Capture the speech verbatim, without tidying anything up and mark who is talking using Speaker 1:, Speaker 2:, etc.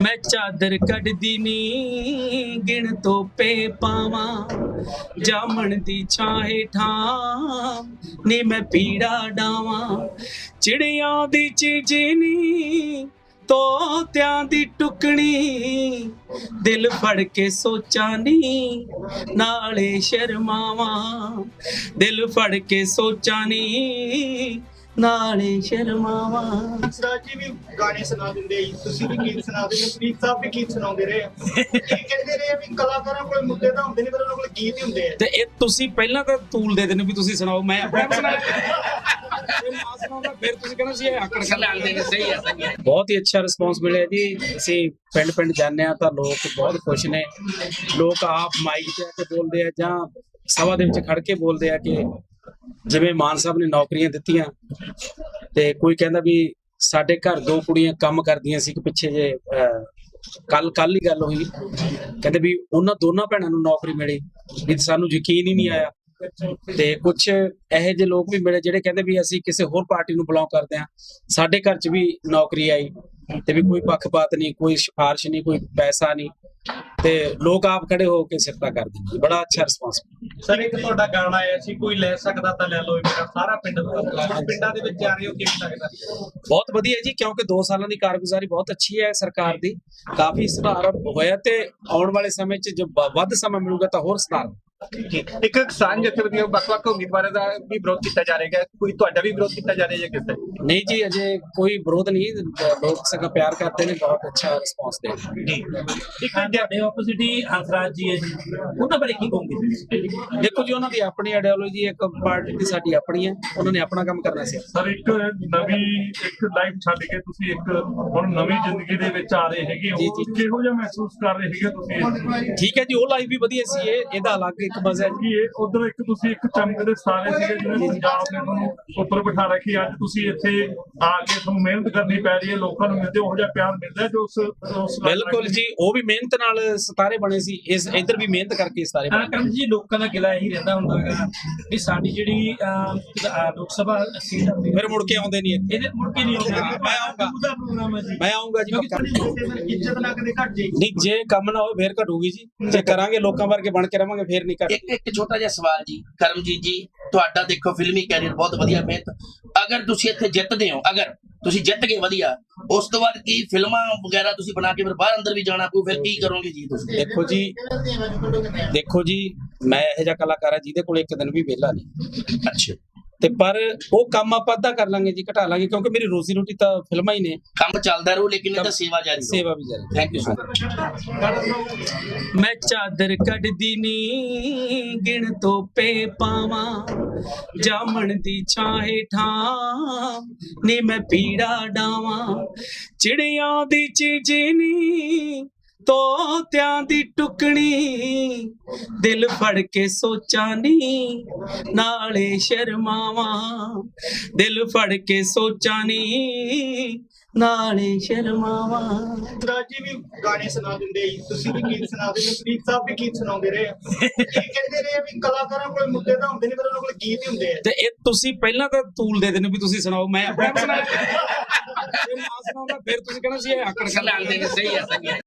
Speaker 1: मैं चादर कढ़दी नी गिण तोपे पावा जामन दी छां हेठां नी मैं पीड़ा डावा चिड़ियां दी चीजनी तोत्यां दी टुकनी दिल फड़ के सोचा नी नाले शर्मावा दिल फड़ के सोचा नी नाले शर्मावा।
Speaker 2: हंसराज जी भी गाने सुना दिंदे ਤੁਸੀਂ ਵੀ ਗੀਤ ਸੁਣਾ ਦਿੰਦੇ ਪ੍ਰੀਤ ਸਾਹਿਬ ਵੀ ਗੀਤ ਸੁਣਾਉਂਦੇ ਰਹੇ ਇਹ ਕਹਿੰਦੇ ਰਹੇ ਵੀ ਕਲਾਕਾਰਾਂ ਕੋਲ ਮੁੱਦੇ ਤਾਂ ਹੁੰਦੇ ਨਹੀਂ ਪਰ ਉਹਨਾਂ ਕੋਲ ਗੀਤ ਹੀ ਹੁੰਦੇ ਆ
Speaker 1: ਤੇ ਇਹ ਤੁਸੀਂ ਪਹਿਲਾਂ ਤਾਂ ਤੂਲ ਦੇ ਦੇਣੇ ਵੀ ਤੁਸੀਂ ਸੁਣਾਓ ਮੈਂ ਆਪਣੇ ਆਪ ਸੁਣਾ ਫਿਰ ਤੁਸੀਂ ਕਹਿੰਦੇ ਸੀ ਇਹ ਆਕੜ ਕਰ ਲੈਂਦੇ ਨੇ। ਸਹੀ ਹੈ ਸਹੀ ਹੈ। ਬਹੁਤ ਹੀ ਅੱਛਾ ਰਿਸਪੌਂਸ ਮਿਲਿਆ ਜੀ। ਅਸੀਂ ਪਿੰਡ ਪਿੰਡ ਜਾਂਦੇ ਆ ਤਾਂ ਲੋਕ ਬਹੁਤ ਖੁਸ਼ ਨੇ। ਲੋਕ ਆਪ ਮਾਈਕ ਤੇ ਆ ਕੇ ਬੋਲਦੇ ਆ ਜਾਂ ਸਭਾ ਦੇ ਵਿੱਚ ਖੜ ਕੇ ਬੋਲਦੇ ਆ ਕਿ ਜਿਵੇਂ ਮਾਨ ਸਾਹਿਬ ਨੇ ਨੌਕਰੀਆਂ ਦਿੱਤੀਆਂ ਤੇ ਕੋਈ ਕਹਿੰਦਾ ਵੀ ਸਾਡੇ ਘਰ ਦੋ ਕੁੜੀਆਂ ਕੰਮ ਕਰਦੀਆਂ ਸੀ ਕਿ ਪਿੱਛੇ ਜੇ ਕੱਲ ਕੱਲ ਹੀ ਗੱਲ ਹੋਈ ਕਹਿੰਦੇ ਵੀ ਉਹਨਾਂ ਦੋਨਾਂ ਭੈਣਾਂ ਨੂੰ ਨੌਕਰੀ ਮਿਲੀ ਵੀ ਸਾਨੂੰ ਯਕੀਨ ਹੀ ਨਹੀਂ ਆਇਆ। ਤੇ ਕੁਝ ਇਹੋ ਜਿਹੇ ਲੋਕ ਵੀ ਮਿਲੇ ਜਿਹੜੇ ਕਹਿੰਦੇ ਵੀ ਅਸੀਂ ਕਿਸੇ ਹੋਰ ਪਾਰਟੀ ਨੂੰ ਬਿਲੋਂਗ ਕਰਦੇ ਹਾਂ ਸਾਡੇ ਘਰ 'ਚ ਵੀ ਨੌਕਰੀ ਆਈ ਤੇ ਵੀ ਕੋਈ ਪੱਖਪਾਤ ਨਹੀਂ ਕੋਈ ਸਿਫਾਰਿਸ਼ ਨਹੀਂ ਕੋਈ ਪੈਸਾ ਨਹੀਂ ਤੇ ਲੋਕ ਆਪ ਖੜੇ ਹੋ ਕੇ ਸਿਫਤਾਂ ਕਰਦੇ ਨੇ। ਬੜਾ ਅੱਛਾ ਰਿਸਪੌਂਸ।
Speaker 2: ਸਰ ਇੱਕ ਤੁਹਾਡਾ ਗਾਣਾ ਆਇਆ ਸੀ ਕੋਈ ਲੈ ਸਕਦਾ ਤਾਂ ਲੈ ਲਓ ਮੇਰਾ ਸਾਰਾ ਪਿੰਡ ਪਿੰਡਾਂ ਦੇ ਵਿੱਚ ਜਾ ਰਹੇ ਹੋ ਕਿਵੇਂ ਲੱਗਦਾ?
Speaker 1: ਬਹੁਤ ਵਧੀਆ ਜੀ ਕਿਉਂਕਿ ਦੋ ਸਾਲਾਂ ਦੀ ਕਾਰਗੁਜ਼ਾਰੀ ਬਹੁਤ ਅੱਛੀ ਹੈ ਸਰਕਾਰ ਦੀ ਕਾਫੀ ਸੁਧਾਰ ਹੋਇਆ ਤੇ ਆਉਣ ਵਾਲੇ ਸਮੇਂ 'ਚ ਜੋ ਵੱਧ ਸਮਾਂ ਮਿਲੂਗਾ ਤਾਂ ਹੋਰ ਸੁਧਾਰ।
Speaker 2: ਇੱਕ ਕਿਸਾਨ ਜਥੇਬੰਦੀਆਂ ਵੱਖ-ਵੱਖ ਉਮੀਦਵਾਰਾਂ ਦਾ ਵੀ ਵਿਰੋਧ ਕੀਤਾ ਜਾ ਰਿਹਾ ਹੈ ਕੋਈ ਤੁਹਾਡਾ ਵੀ ਵਿਰੋਧ ਕੀਤਾ ਜਾ ਰਿਹਾ ਹੈ ਕਿਸ
Speaker 1: ਨਹੀਂ ਜੀ ਅਜੇ ਕੋਈ ਵਿਰੋਧ ਨਹੀਂ ਲੋਕ ਸਗਾ ਪਿਆਰ ਕਰਦੇ ਨੇ ਬਹੁਤ ਅੱਛਾ ਰਿਸਪੌਂਸ ਦੇ
Speaker 2: ਜੀ। ਇੱਕ ਤੁਹਾਡੇ ਆਪੋਜ਼ਿਟ ਹੀ ਹੰਸਰਾਜ ਜੀ ਹੈ ਜੀ ਉਹਨਾਂ ਬਾਰੇ ਕੀ ਕਹੋਗੇ?
Speaker 1: ਦੇਖੋ ਜੀ ਉਹਨਾਂ ਦੀ ਆਪਣੀ ਆਈਡੀਓਲੋਜੀ ਇੱਕ ਪਾਰਟੀ ਦੀ ਸਾਡੀ ਆਪਣੀ ਹੈ ਉਹਨਾਂ ਨੇ ਆਪਣਾ ਕੰਮ ਕਰਨਾ ਸੀ।
Speaker 3: ਸਰ ਇੱਕ ਨਵੀਂ ਇੱਕ ਲਾਈਫ ਛੱਡ ਕੇ ਤੁਸੀਂ ਇੱਕ ਹੁਣ ਨਵੀਂ ਜ਼ਿੰਦਗੀ ਦੇ ਵਿੱਚ ਆ ਰਹੇ ਹੈਗੇ ਹੋ ਕਿਹੋ ਜਿਹਾ ਮਹਿਸੂਸ ਕਰ ਰਹੇ ਹੈਗੇ ਤੁਸੀਂ?
Speaker 1: ਠੀਕ ਹੈ ਜੀ ਉਹ ਲਾਈਫ ਵੀ ਵਧੀਆ ਸੀ ਇਹ ਇਹਦਾ ਅਲੱਗ ਇੱਕ ਮਜ਼ਾ ਹੈ
Speaker 3: ਕਿ ਇਹ ਉਧਰ ਇੱਕ ਤੁਸੀਂ ਇੱਕ ਚਮਕਦੇ ਸਾਰੇ ਸੀਗੇ ਜਿਹਨੇ ਪੰਜਾਬ ਨੇ ਤੁਹਾਨੂੰ ਉੱਪਰ ਬਿਠਾ ਰੱਖੀ ਅੱਜ ਤੁਸੀਂ ਇੱਥੇ ਆ ਕੇ ਤੁਹਾਨੂੰ ਮਿਹਨਤ ਕਰਨੀ ਪੈ ਰਹੀ ਹੈ ਲੋਕਾਂ ਨੂੰ ਮਿਲਦੇ ਉਹੋ ਜਿਹਾ ਪਿਆਰ ਮਿਲਦਾ ਜੋ ਉਸ ਉਸ
Speaker 1: ਬਿਲਕੁਲ ਜੀ ਉਹ ਵੀ ਮਿਹਨਤ ਨਾਲ ਸਿਤਾਰੇ ਬਣੇ ਸੀ ਇਸ ਇੱਧਰ ਵੀ ਮਿਹਨਤ ਕਰਕੇ ਸਿਤਾਰੇ ਬਣੇ।
Speaker 4: ਕਰਮ ਜੀ ਲੋਕਾਂ ਦਾ ਗਿਲਾ ਇਹੀ ਰਹਿੰਦਾ ਹੁੰਦਾ ਹੈਗਾ ਵੀ ਸਾਡੀ ਜਿਹੜੀ ਲੋਕ ਸਭਾ ਸੀਟ
Speaker 1: ਫਿਰ ਮੁੜ ਕੇ ਆਉਂਦੇ ਨਹੀਂ ਇੱਥੇ।
Speaker 4: ਇਹਦੇ ਮੁੜ ਕੇ ਨਹੀਂ ਆਉਂਦੇ।
Speaker 1: ਮੈਂ ਆਉਂਗਾ
Speaker 4: ਉਹਦਾ ਪ੍ਰੋਗਰਾਮ ਹੈ ਜੀ
Speaker 1: ਮੈਂ ਆਉਂਗਾ ਜੀ ਪੱਕਾ।
Speaker 2: ਇੱਜ਼ਤ ਨਾ ਕਦੇ ਘਟ ਜਾਏਗੀ
Speaker 1: ਨਹੀਂ ਜੇ ਕੰਮ ਨਾ ਹੋਵੇ ਫੇਰ ਘਟੂਗੀ ਜੀ ਜੇ ਕਰਾਂਗੇ ਲੋਕਾਂ ਵਰਗੇ ਬਣ ਕੇ ਰਵਾਂਗੇ ਫੇਰ ਨਹੀਂ ਘਟ।
Speaker 5: ਇੱਕ ਇੱਕ ਛੋਟਾ ਜਿਹਾ ਸਵਾਲ ਜੀ ਕਰਮਜੀਤ ਜੀ ਤੁਹਾਡਾ ਦੇਖੋ ਫਿਲਮੀ ਕੈਰੀਅਰ ਬਹੁਤ ਵਧੀਆ ਮਿਹਨਤ ਅਗਰ ਤੁਸੀਂ ਇੱਥੇ ਜਿੱਤਦੇ ਹੋ ਅਗਰ ਤੁਸੀਂ ਜਿੱਤ ਗਏ ਵਧੀਆ ਉਸ ਤੋਂ ਬਾਅਦ ਕੀ ਫਿਲਮਾਂ ਵਗੈਰਾ ਤੁਸੀਂ ਬਣਾ ਕੇ ਫਿਰ ਬਾਹਰ ਅੰਦਰ ਵੀ ਜਾਣਾ ਪਊ ਫਿਰ ਕੀ ਕਰੋਗੇ ਜੀ ਤੁਸੀਂ?
Speaker 1: ਦੇਖੋ ਜੀ ਦੇਖੋ ਜੀ ਮੈਂ ਇਹੋ ਜਿਹਾ ਕਲਾਕਾਰ ਆ ਜਿਹਦੇ ਕੋਲ ਇੱਕ ਦਿਨ ਵੀ ਵਿਹਲਾ ਨਹੀਂ।
Speaker 5: ਅੱਛਾ
Speaker 1: ਤੇ ਪਰ ਉਹ ਕੰਮ ਆਪਾਂ ਅੱਧਾ ਕਰ ਲਾਂਗੇ ਜੀ ਘਟਾ ਲਾਂਗੇ ਕਿਉਂਕਿ ਮੇਰੀ ਰੋਜ਼ੀ ਰੋਟੀ ਤਾਂ ਫਿਲਮਾਂ ਹੀ ਨੇ।
Speaker 5: ਕੰਮ ਚੱਲਦਾ ਰਹੂ ਲੇਕਿਨ ਇਹਦਾ ਸੇਵਾ ਜਾਰੀ ਰਹੂ।
Speaker 1: ਸੇਵਾ ਵੀ ਜਾਰੀ।
Speaker 5: Thank you sir.
Speaker 1: मैं चादर कढ़दी नी गिण तोपे पावा जामन दी छां हेठां नी मैं पीड़ा डावा चिड़ियां दी चीजनी तोत्यां दी टुकनी दिल फड़ के सोचा नी नाले शर्मावा दिल फड़ के सोचा नी नाले शर्मावा।
Speaker 2: ਹੰਸਰਾਜ ਜੀ ਵੀ ਗਾਣੇ ਸੁਣਾ ਦਿੰਦੇ ਤੁਸੀਂ ਵੀ ਗੀਤ ਸੁਣਾ ਦਿੰਦੇ ਪ੍ਰੀਤ ਸਾਹਿਬ ਵੀ ਗੀਤ ਸੁਣਾਉਂਦੇ ਰਹੇ ਇਹ ਕਹਿੰਦੇ ਰਹੇ ਵੀ ਕਲਾਕਾਰਾਂ ਕੋਲ ਮੁੱਦੇ ਤਾਂ ਹੁੰਦੇ ਨਹੀਂ ਪਰ ਉਹਨਾਂ ਕੋਲ ਗੀਤ ਹੀ ਹੁੰਦੇ ਆ
Speaker 1: ਤੇ ਇਹ ਤੁਸੀਂ ਪਹਿਲਾਂ ਤਾਂ ਤੂਲ ਦੇ ਦੇਣੇ ਵੀ ਤੁਸੀਂ ਸੁਣਾਓ ਮੈਂ ਆਪਣੇ ਆਪ ਸੁਣਾ ਫਿਰ ਤੁਸੀਂ ਕਹਿੰਦੇ ਸੀ ਇਹ ਆਕੜ ਕਰ ਲੈਂਦੇ ਨੇ। ਸਹੀ ਹੈ ਸਹੀ ਹੈ।